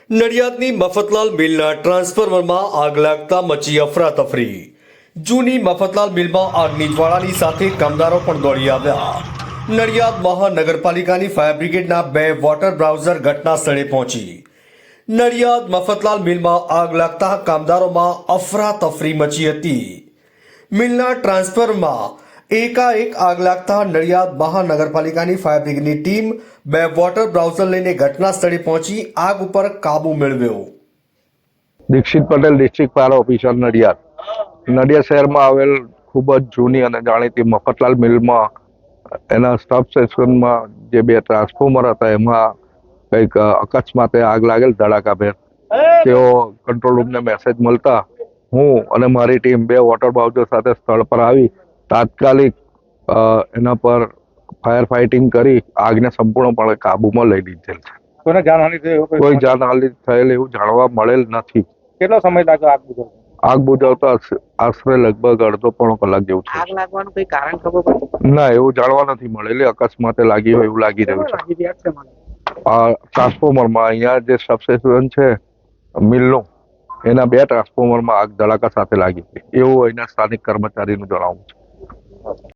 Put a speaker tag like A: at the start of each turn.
A: નડિયાદની મફતલાલ મિલના ટ્રાન્સફોર્મરમાં આગ લાગતા મચી અફરાતફરી. જૂની મફતલાલ મિલમાં આગની જ્વાળાની સાથે કામદારો પણ દોડી આવ્યા. નડિયાદ મહાનગરપાલિકાની ફાયર બ્રિગેડના 2 વોટર બ્રાઉઝર ઘટના સ્થળે પહોંચી. નડિયાદ મફતલાલ મિલમાં આગ લાગતા કામદારોમાં અફરાતફરી મચી હતી. મિલના ટ્રાન્સફરમાં એકાએક આગ લાગતા નડિયાદ મહાનગરપાલિકાની ફાયર બ્રિગેડની ટીમ 2 વોટર બ્રાઉઝર લઈને ઘટના સ્થળે પહોંચી આગ ઉપર કાબુ મેળવ્યો.
B: Dixit Patel, district fire officer, Nadiad. Nadiad શહેરમાં આવેલ ખૂબ જ જૂની અને જાણીતી મફતલાલ મિલમાં એના સબસ્ટેશનમાં જે 2 ટ્રાન્સફોર્મર હતા એમાં કંઈક અકસ્માતે આગ લાગેલ ધડાકાભેર. તેઓ કંટ્રોલ રૂમને મેસેજ મળતા હું અને મારી ટીમ 2 વોટર બ્રાઉઝર સાથે સ્થળ પર આવી તાત્કાલિક એના પર ફાયર ફાઇટિંગ કરી આગને સંપૂર્ણપણે કાબૂમાં લઈ લીધેલ છે.
C: કોઈને જાનહાનિ થઈ એવું
B: કોઈ જાનહાનિ થયેલ એવું જાણવા મળેલ નથી.
C: કેટલો સમય લાગ્યો આગ બુઝાવતા?
B: આગ બુઝાવતા આશરે લગભગ અડધો પોણો કલાક જેવું
D: આગ
B: છે.
D: લાગવાનું કોઈ કારણ ખબર પડી?
B: ના, એવું જાણવા નથી મળેલી. અકસ્માતે લાગી હોય એવું લાગી રહ્યું છે.
D: લાગી રહ્યા છે મને.
B: ટ્રાન્સફોર્મરમાં અહીંયા જે સબસ્ટેશન છે મિલનું એના 2 ટ્રાન્સફોર્મરમાં આગ ધડાકા સાથે લાગી હતી એવું અહીંના સ્થાનિક કર્મચારીનું જણાવવું છે.